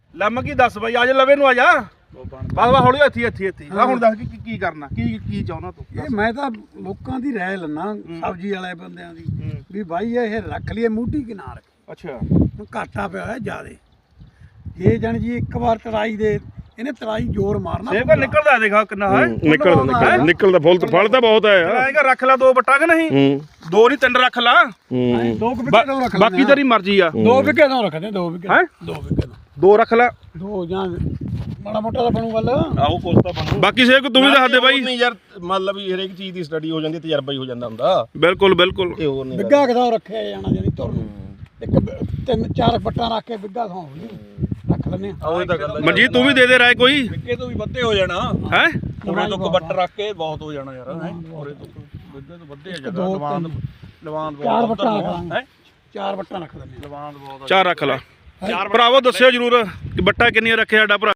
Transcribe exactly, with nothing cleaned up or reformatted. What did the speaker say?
ਲੰਮ ਕੀ ਦੱਸ ਬਾਈ ਅੱਜ ਲਵੇ ਨੂੰ ਆ ਜਾ ਬਸ ਬਸ ਹੌਲੀ ਇੱਥੇ ਇੱਥੇ ਇੱਥੇ ਆ ਹੁਣ ਦੱਸ ਕੀ ਕੀ ਕਰਨਾ ਕੀ ਕੀ ਚਾਹੁੰਦਾ ਤੂੰ ਇਹ ਮੈਂ ਤਾਂ ਲੋਕਾਂ ਦੀ ਰਾਏ ਲੈਣਾ ਸਬਜ਼ੀ ਵਾਲੇ ਬੰਦਿਆਂ ਦੀ ਵੀ ਬਾਈ ਇਹ ਰੱਖ ਲਈਏ ਮੂਢੀ ਕਿ ਨਾ ਰੱਖ ਅੱਛਾ ਘਾਟਾ ਪਿਆ ਹੋਇਆ ਜ਼ਿਆਦੇ ਜੇ ਜਾਣੀ ਜੀ ਇੱਕ ਵਾਰ ਤਰਾਈ ਦੇ ਇਹਨੇ ਤਰਾਈ ਜ਼ੋਰ ਮਾਰਨਾ ਸੇਬ ਨਿਕਲਦਾ ਦੇਖਾ ਕਿੰਨਾ ਹੈ ਨਿਕਲਦਾ ਨਿਕਲਦਾ ਨਿਕਲਦਾ ਫੁੱਲ ਫਲ ਤਾਂ ਬਹੁਤ ਹੈ ਯਾਰ ਆਏਗਾ ਰੱਖ ਲੈ ਦੋ ਬੱਟਾ ਕਿ ਨਹੀਂ ਹੂੰ ਦੋ ਨਹੀਂ ਤਿੰਨ ਰੱਖ ਲਾ ਹੂੰ ਦੋ ਕੁ ਵਿਕੇ ਤੋਂ ਰੱਖ ਲੈਂਦੇ ਬਾਕੀ ਤੇਰੀ ਮਰਜ਼ੀ ਆ ਦੋ ਵਿਕੇ ਤੋਂ ਰੱਖਦੇ ਦੋ ਵਿਕੇ ਹੈਂ? ਦੋ ਵਿਕੇ ਤੋਂ ਦੋ ਰੱਖ ਲੈ ਦੋ ਜਾਂ ਮਾੜਾ ਮੋਟਾ ਤਾਂ ਬਣੂ ਗੱਲ ਆਹੋ ਕੁਛ ਤਾਂ ਬਣੂ ਬਾਕੀ ਸੇਬ ਤੂੰ ਵੀ ਦੱਸ ਦੇ ਬਾਈ ਨਹੀਂ ਯਾਰ ਮਤਲਬ ਵੀ ਹਰੇਕ ਚੀਜ਼ ਦੀ ਸਟੱਡੀ ਹੋ ਜਾਂਦੀ ਤਜਰਬਾ ਹੀ ਹੋ ਜਾਂਦਾ ਹੁੰਦਾ ਬਿਲਕੁਲ ਬਿਲਕੁਲ ਇਹ ਹੋਰ ਨਹੀਂ ਬਿੱਗਾ ਕਿਦਾਂ ਰੱਖਿਆ ਜਾਣਾ ਜਾਨੀ ਤੁਰ ਨੂੰ ਇੱਕ ਬ- ਤਿੰਨ ਚਾਰ ਬੱਟਾਂ ਰੱਖ ਕੇ ਬਿੱਗਾ ਥਾਂ ਰੱਖ ਲੈਨੇ ਆ ਆਹ ਇਹ ਤਾਂ ਗੱਲ ਮਨਜੀਤ ਤੂੰ ਵੀ ਦੇ ਦੇ ਰਾਏ ਕੋਈ ਵਿੱਕੇ ਤੋਂ ਵੀ ਵੱਧੇ ਹੋ ਜਾਣਾ ਹੈ ਉਰੇ ਤੋਂ ਕਬੱਟ ਰੱਖ ਕੇ ਬਹੁਤ ਹੋ ਜਾਣਾ ਯਾਰ ਹੈ ਉਰੇ ਤੋਂ ਵਿੱਕੇ ਤੋਂ ਵੱਧੇ ਆ ਜਗ੍ਹਾ ਲਵਾਨ ਲਵਾਨ ਚਾਰ ਬੱਟਾਂ ਰੱਖ ਲਾਂਗੇ ਹੈ ਚਾਰ ਬੱਟਾਂ ਰੱਖ ਲੈਨੇ ਲਵਾਨ ਬਹੁਤ ਚਾਰ ਰੱਖ ਲਾ ਭਰਾਵੋ ਦੱਸਿਓ ਜਰੂਰ ਕਿ ਬੱਟਾ ਕਿੰਨੀਆਂ ਰੱਖਿਆ ਸਾਡਾ ਭਰਾ